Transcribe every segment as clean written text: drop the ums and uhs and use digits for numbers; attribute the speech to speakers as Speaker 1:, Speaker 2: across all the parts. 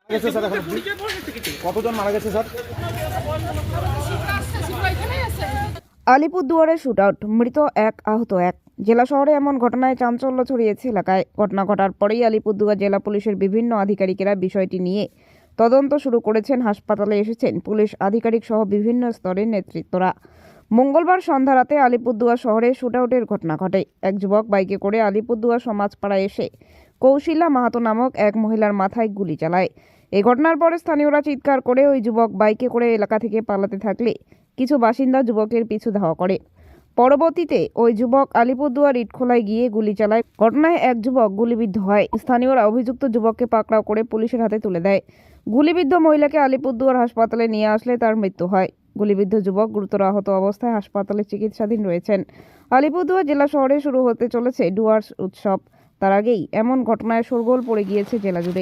Speaker 1: গেছে স্যার এখন কতজন মারা গেছে স্যার?
Speaker 2: আলিপুরদুয়ারে শুটআউট, মৃত এক, আহত এক। জেলা শহরে এমন ঘটনায় চাঞ্চল্য ছড়িয়েছে এলাকায়। ঘটনা ঘটার পরেই আলিপুরদুয়ার জেলা পুলিশের বিভিন্ন আধিকারিকেরা বিষয়টি নিয়ে তদন্ত শুরু করেছেন। হাসপাতালে এসেছেন পুলিশ আধিকারিক সহ বিভিন্ন স্তরের নেতৃত্বরা। মঙ্গলবার সন্ধ্যা রাতে আলিপুরদুয়ার শহরে শুটআউটের ঘটনা ঘটে। এক যুবক বাইকে করে আলিপুরদুয়ার সমাজপাড়ায় এসে কৌশিলা মাহাতো নামক এক মহিলার মাথায় গুলি চালায়। এই ঘটনার পরে স্থানীয়রা চিৎকার করে ওই যুবক বাইকে করে এলাকা থেকে পালাতে থাকলে কিছু বাসিন্দা যুবকের পিছু ধাওয়া করে। পরবর্তীতে ওই যুবক আলিপুরদুয়ার ইটখোলায় গিয়ে গুলি চালায়। ঘটনায় এক যুবক গুলিবিদ্ধ হয়। স্থানীয়রা অভিযুক্ত যুবককে পাকড়াও করে পুলিশের হাতে তুলে দেয়। গুলিবিদ্ধ মহিলাকে আলিপুরদুয়ার হাসপাতালে নিয়ে আসলে তার মৃত্যু হয়। গুলিবিদ্ধ যুবক গুরুতর আহত অবস্থায় হাসপাতালে চিকিৎসাধীন রয়েছেন। আলিপুরদুয়ার জেলা শহরে শুরু হতে চলেছে ডুয়ার্স উৎসব। তার আগেই এমন ঘটনায় শোরগোল পড়ে গিয়েছে জেলা জুড়ে।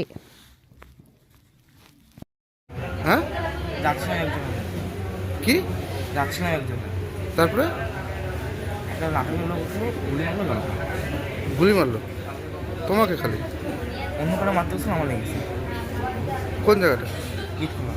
Speaker 3: হ্যাঁ
Speaker 4: যাচ্ছে না একজন,
Speaker 3: কি
Speaker 4: যাচ্ছে না একজন,
Speaker 3: তারপরে
Speaker 4: একটা লাঠি গুলো গুলি মারলো না,
Speaker 3: গুলি মারলো তোমাকে? খালি
Speaker 4: অন্য কারো মারতে গেছিল, আমার লেগেছে।
Speaker 3: কোন জায়গাটা?
Speaker 4: ইট খোলা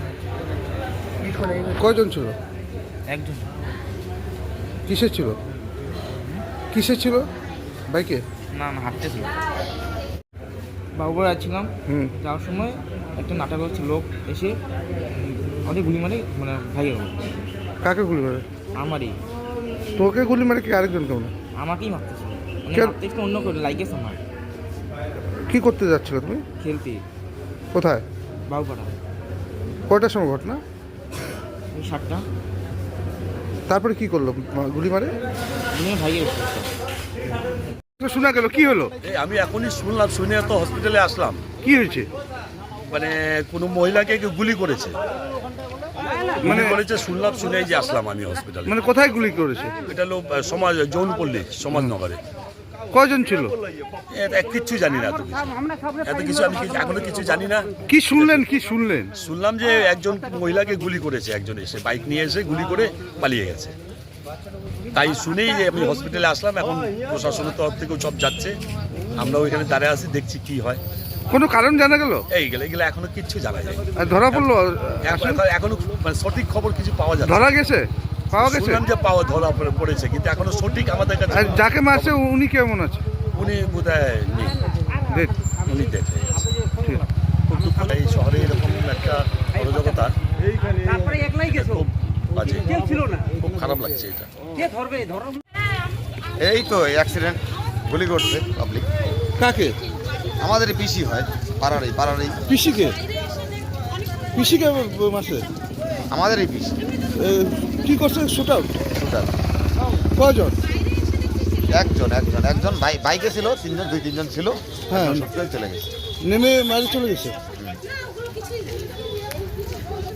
Speaker 3: কয়জন ছিল?
Speaker 4: একজন।
Speaker 3: কিসের ছিল? কিসের ছিল বাইকে?
Speaker 4: না না, হাঁটতেছিল। বাবুরা যাচ্ছিলাম, যাওয়ার সময় একটা নাটক হচ্ছে লোক এসে আমাদের গুলি মারে, মানে ভাই
Speaker 3: কাকে গুলি মারে?
Speaker 4: আমারই,
Speaker 3: তোকে গুলি মারে কি আরেকজন? কেমন
Speaker 4: আমাকেই মারতেছিল, মানে
Speaker 3: কেন?
Speaker 4: মারতেছিল অন্য করে লাইগেছে আমার।
Speaker 3: কি করতে যাচ্ছিল তুমি?
Speaker 4: খেলতে
Speaker 3: কোথায়?
Speaker 4: বাবুপাড়া।
Speaker 3: কয়টার সময় ঘটনা?
Speaker 4: 7টা।
Speaker 3: তারপরে কি করলো? গুলি মারে
Speaker 4: ভাইয়ের
Speaker 3: শোনা গেল, কি হলো?
Speaker 5: আমি এখনই শুনলাম, শুনে তো হসপিটালে আসলাম।
Speaker 3: কি হয়েছে?
Speaker 5: মানে কোনো মহিলাকে কেউ গুলি করেছে, মানে করেছে শুনলাম, শুনেই যে আসলাম আমি হসপিটালে।
Speaker 3: মানে কোথায় গুলি করেছে?
Speaker 5: এটা হলো সমাজ যৌনপল্লী সমাজনগরে।
Speaker 3: কয়জন ছিল?
Speaker 5: কিচ্ছু জানি না, এত কিছু আমি এখনো কিছু জানি না।
Speaker 3: কি শুনলেন? কি শুনলেন?
Speaker 5: শুনলাম যে একজন মহিলাকে গুলি করেছে, একজন এসে বাইক নিয়ে এসে গুলি করে পালিয়ে গেছে। তাই শুনেই যে আমি হসপিটালে আসলাম। এখন প্রশাসনের তরফ থেকেও সব যাচ্ছে, আমরাও এখানে দাঁড়িয়ে আছি, দেখছি কি হয়।
Speaker 3: কোনো কারণ জানা গেল?
Speaker 5: এইগুলো এখনো কিচ্ছু জানা যায়।
Speaker 3: আর ধরা পড়লো?
Speaker 5: এখনো মানে সঠিক খবর কিছু পাওয়া যায়।
Speaker 3: ধরা গেছে? পাওয়া গেছে?
Speaker 5: শুনলাম যে ধরা পড়েছে, কিন্তু এখনো সঠিক আমাদের কাছে।
Speaker 3: আর যাকে মারছে উনি কেমন আছে?
Speaker 5: উনি বোধহয় নেই,
Speaker 3: দেখ
Speaker 5: উনি দেখে গেছে। খুব দুঃখ, এই শহরে এরকম একটা অরাজকতা খুব বাজে, খুব খারাপ লাগছে এটা।
Speaker 6: এই তো অ্যাক্সিডেন্ট, গুলি করছে পাবলিক।
Speaker 3: কাকে?
Speaker 6: আমাদের পিসি হয়, পাড়ারই
Speaker 3: পিসিকে? পিসিকে মারছে?
Speaker 6: আমাদের এই পিসি।
Speaker 3: কি করছে? Shoot out? কয়জন?
Speaker 6: একজন বাইকে ছিল, দুই তিনজন ছিল।
Speaker 3: হ্যাঁ,
Speaker 6: সত্যি চলে গেছে,
Speaker 3: নেমে মারি চলে গেছে।